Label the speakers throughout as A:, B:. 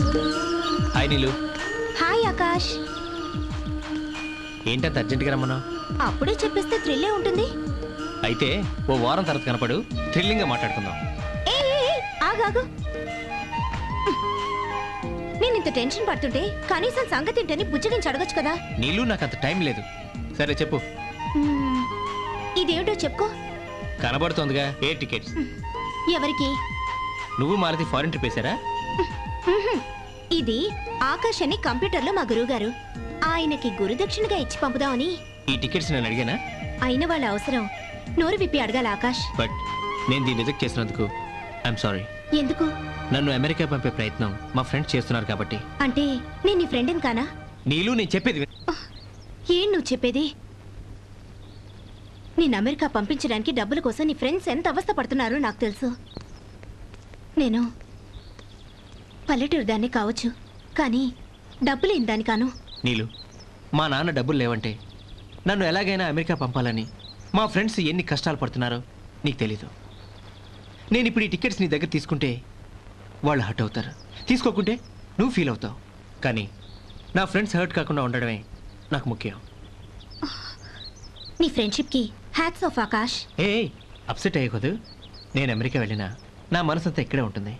A: Hi Neelu.
B: Hi Akash.
A: ఏంటంత అర్జెంట్గా రమ్మన్నావు?
B: అప్పుడే చెప్పేస్తే థ్రిల్లే ఉంటుంది.
A: అయితే ఓ వారం తర్వాత కనపడు, థ్రిల్లింగ్గా మాట్లాడుకుందాం.
B: ఆగాగు. నేను ఇంత టెన్షన్ పడుతుంటే కనీసం సంగతి ఏంటని బుజ్జగించి అడగచ్చు కదా.
A: నీళ్ళు నాకు అంత టైం లేదు. సరే చెప్పు.
B: ఇదేమిటో చెప్పుకో.
A: కనబడుతోందిగా, ఎయిర్ టికెట్స్.
B: ఎవరికి?
A: నువ్వు మాలతి ఫారెన్ ట్రిప్ వేశారా?
B: ఇది ఆకాష్ అని కంప్యూటర్లో మా గురువు గారు. ఆయనకి గురుదక్షిణగా ఇచ్చి పంపుదామని.
A: ఈ టికెట్స్ నేను అడిగానా?
B: అయిన వాళ్ళ అవసరం నోరు విప్పి అడగాల ఆకాష్.
A: బట్ నేను దీన్ని రిజెక్ట్ చేసినందుకు ఐఎమ్ సారీ.
B: ఎందుకు?
A: నన్ను అమెరికా పంపే ప్రయత్నం మా ఫ్రెండ్స్ చేస్తున్నారు కాబట్టి.
B: అంటే నేను నీ ఫ్రెండ్ని కానా?
A: నీళ్ళు నేను చెప్పేది
B: ఏం నువ్వు చెప్పేది? నేను అమెరికా పంపించడానికి డబ్బుల కోసం నీ ఫ్రెండ్స్ ఎంత అవస్థ పడుతున్నారో నాకు తెలుసు. నేను పల్లెటూరు దాన్ని కావచ్చు, కానీ డబ్బులేని దాన్ని కాను.
A: నీళ్ళు, మా నాన్న డబ్బులు లేవంటే నన్ను ఎలాగైనా అమెరికా పంపాలని మా ఫ్రెండ్స్ ఎన్ని కష్టాలు పడుతున్నారో నీకు తెలీదు. నేను ఇప్పుడు ఈ టికెట్స్ నీ దగ్గర తీసుకుంటే వాళ్ళు హర్ట్ అవుతారు, తీసుకోకుంటే నువ్వు ఫీల్ అవుతావు. కానీ నా ఫ్రెండ్స్ హర్ట్ కాకుండా ఉండడమే నాకు ముఖ్యం.
B: నీ ఫ్రెండ్షిప్కి హ్యాట్స్ ఆఫ్ ఆకాష్.
A: ఏ అప్సెట్ అయ్యకూడదు. నేను అమెరికా వెళ్ళినా నా మనసంతా ఇక్కడే ఉంటుంది.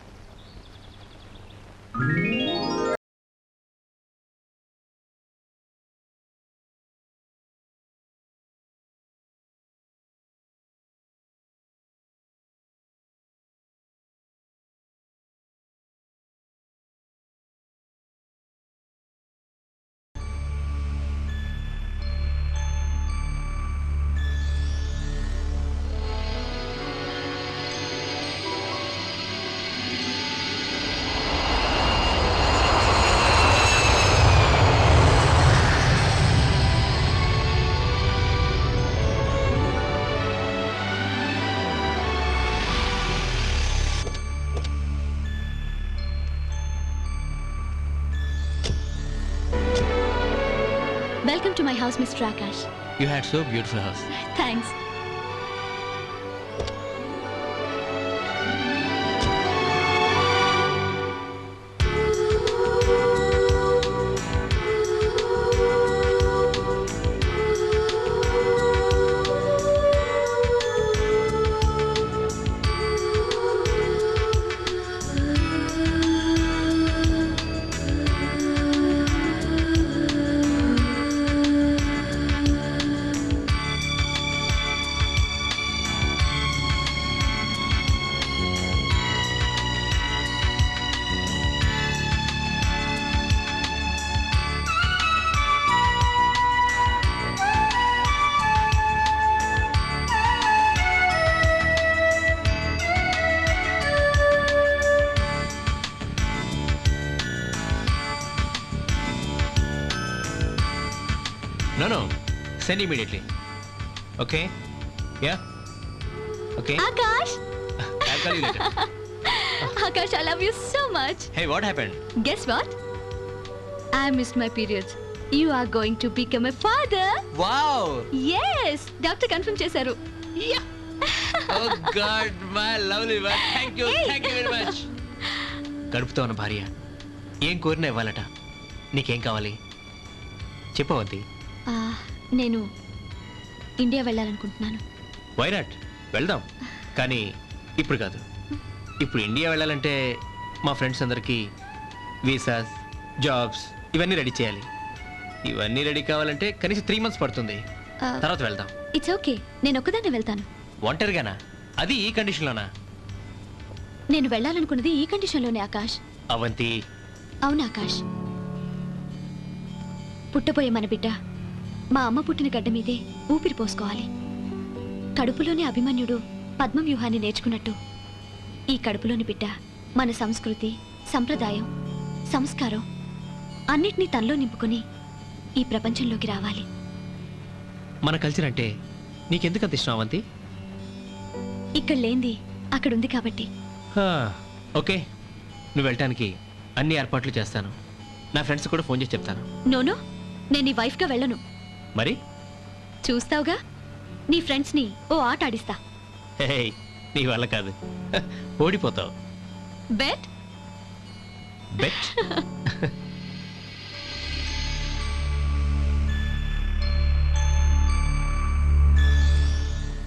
B: Welcome to my house, Mr. Akash.
A: You had so beautiful house.
B: Thanks.
A: No. Send immediately. Okay? Yeah? Okay?
B: Akash!
A: I'll call you later.
C: Akash, I love you so much.
A: Hey, what happened?
C: Guess what? I missed my periods. You are going to become a father.
A: Wow!
C: Yes! Doctor confirm చేశారు.
A: Yeah! Oh God, my lovely one. Thank you very much. గడుపుతో ఉన్న భార్య ఏం కోరినా ఇవ్వాలట. నీకేం కావాలి చెప్పవద్ది.
C: నేను India వెళ్ళాలనుకుంటున్నాను.
A: Why not? వెళ్దాం, కానీ ఇప్పుడు కాదు. ఇప్పుడు ఇండియా వెళ్ళాలంటే మా ఫ్రెండ్స్ అందరికీ వీసాస్, జాబ్స్ ఇవన్నీ రెడీ చేయాలి. ఇవన్నీ రెడీ కావాలంటే కనీసం 3 months పడుతుంది. తర్వాత వెళ్దాం.
C: ఇట్స్ ఓకే, నేను ఒక్కదాన్నే వెళ్తాను.
A: ఒంటరిగానా? అది ఈ కండిషన్లోనా?
C: నేను వెళ్ళాలనుకున్నది ఈ కండిషన్లోనే ఆకాష్.
A: అవంతి.
C: అవును ఆకాష్, పుట్టబోయే మన బిడ్డ మా అమ్మ పుట్టిన గడ్డ మీదే ఊపిరి పోసుకోవాలి. కడుపులోని అభిమన్యుడు పద్మవ్యూహాన్ని నేర్చుకున్నట్టు ఈ కడుపులోని బిడ్డ మన సంస్కృతి, సంప్రదాయం, సంస్కారం అన్నిటినీ తనలో నింపుకొని ఈ ప్రపంచంలోకి రావాలి.
A: మన కల్చర్ అంటే నీకెందుకు అంత ఇష్టం అవంతి?
C: ఇక్కడ లేంది అక్కడుంది కాబట్టి.
A: ఓకే, నువ్వు వెళ్ళటానికి అన్ని ఏర్పాట్లు చేస్తాను. నా ఫ్రెండ్స్ కూడా ఫోన్ చేసి చెప్తాను.
C: నోనో, నేను నీ వైఫ్గా వెళ్ళను.
A: మరి
C: చూస్తావుగా, నీ ఫ్రెండ్స్ని ఓ ఆట ఆడిస్తా.
A: నీ వల్ల కాదు, ఓడిపోతావు.
C: Bet
A: bet